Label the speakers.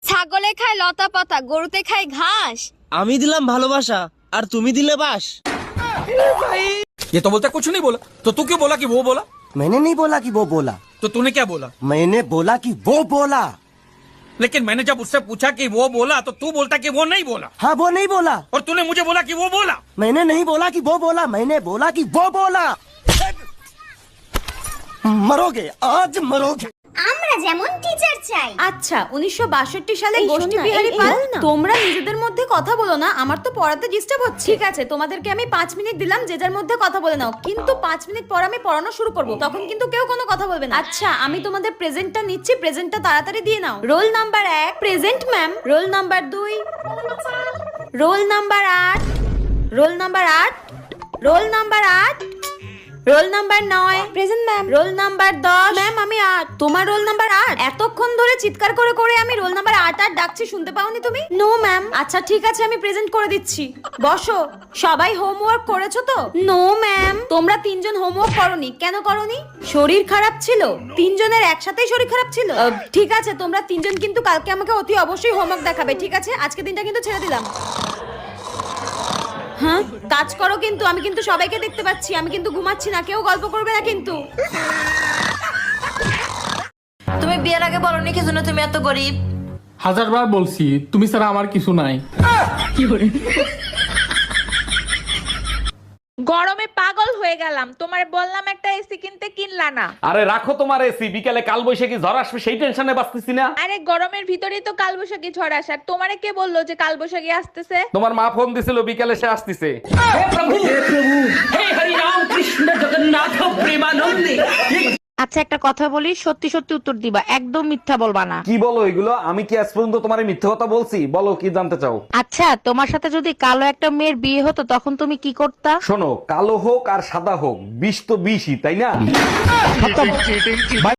Speaker 1: ছাগলে খায় লতা পাতা, গরুতে খায় ঘাস।
Speaker 2: আমি দিলাম ভালোবাসা আর তুমি দিলে বাস।
Speaker 3: ये तो बोलता कुछ नहीं बोला, तो तू क्यों बोला कि वो बोला?
Speaker 4: मैंने नहीं बोला कि वो बोला,
Speaker 3: तो तूने क्या बोला?
Speaker 4: मैंने बोला कि वो बोला।
Speaker 3: लेकिन मैंने जब उससे पूछा कि वो बोला तो तू बोलता कि वो नहीं बोला,
Speaker 4: हाँ वो नहीं बोला।
Speaker 3: और तूने मुझे बोला कि वो बोला।
Speaker 4: मैंने नहीं बोला कि वो बोला, मैंने बोला कि वो बोला। मरोगे आज मरोगे।
Speaker 5: আমরা যেমন টিচার চাই।
Speaker 6: আচ্ছা 1962 সালে
Speaker 5: এই
Speaker 6: গোষ্ঠী
Speaker 5: শোন না,
Speaker 6: বিহারী
Speaker 5: এই
Speaker 6: পাল
Speaker 5: বল না।
Speaker 6: তোমরা নিজেদের মধ্যে কথা বলো না, আমার তো পড়াতে ডিস্টার্ব হচ্ছে। ঠিক আছে তোমাদেরকে আমি 5 মিনিট দিলাম, যে যার মধ্যে কথা বলে নাও, কিন্তু 5 মিনিট পর আমি পড়ানো শুরু করব, তখন কিন্তু কেউ কোনো কথা বলবে না। আচ্ছা আমি তোমাদের প্রেজেন্টটা নিচ্ছি, প্রেজেন্টটা তাড়াতাড়ি দিয়ে নাও। Roll number 1 present ma'am, roll number 2, roll number 8, roll number 8, roll number 8, roll number 9 present ma'am, roll number 10 ma'am আমি 8, তোমার রোল নাম্বার 8। এতক্ষণ ধরে চিৎকার করে করে আমি রোল নাম্বার 8 ডাকছি, শুনতে পাওনি তুমি? No ma'am. আচ্ছা ঠিক আছে আমি প্রেজেন্ট করে দিচ্ছি, বসো। সবাই হোমওয়ার্ক করেছো তো? No ma'am. তোমরা তিনজন হোমওয়ার্ক করনি, কেন করনি? শরীর খারাপ ছিল, তিনজনের একসাথেই শরীর খারাপ ছিল। ঠিক আছে তোমরা তিনজন কিন্তু কালকে আমাকে অতি অবশ্যই হোমওয়ার্ক দেখাবে, ঠিক আছে? আজকে দিনটা কিন্তু ছেড়ে দিলাম। হ্যাঁ কাজ করো, কিন্তু আমি কিন্তু সবাইকে দেখতে পাচ্ছি, আমি কিন্তু ঘুমাচ্ছি না, কেউ গল্প করবে না কিন্তু।
Speaker 7: তুমি বিয়ের আগে বলনি কি জন্য তুমি এত গরিব?
Speaker 8: 1000 বার বলছি তুমি ছাড়া আমার কিছু নাই।
Speaker 9: গরমে পাগল হয়ে গেলাম, তোমার বললাম একটা এসি কিনতে, কিনলা না।
Speaker 10: আরে রাখো তোমার এসি, বিকালে কাল বৈশাখী ঝড় আসবে সেই টেনশনে বাঁচতেছি না।
Speaker 9: আরে গরমের ভিতরেই তো কালবৈশাখী ঝড় আসার, তোমারে কে বললো যে কালবৈশাখী আসতেছে?
Speaker 10: তোমার মা ফোন দিছিল বিকালে সে আসতেছে।
Speaker 11: আচ্ছা একটা কথা বলি, সত্যি সত্যি উত্তর দিবা, একদম মিথ্যা বলবা না।
Speaker 10: কি বলো এগুলো? আমি কি আজ পর্যন্ত তোমার মিথ্যে কথা বলছি? বলো কি জানতে চাও?
Speaker 11: আচ্ছা তোমার সাথে যদি কালো একটা মেয়ের বিয়ে হতো তখন তুমি কি করতা?
Speaker 10: শোনো, কালো হোক আর সাদা হোক, বিষ তো বিষই, তাই না?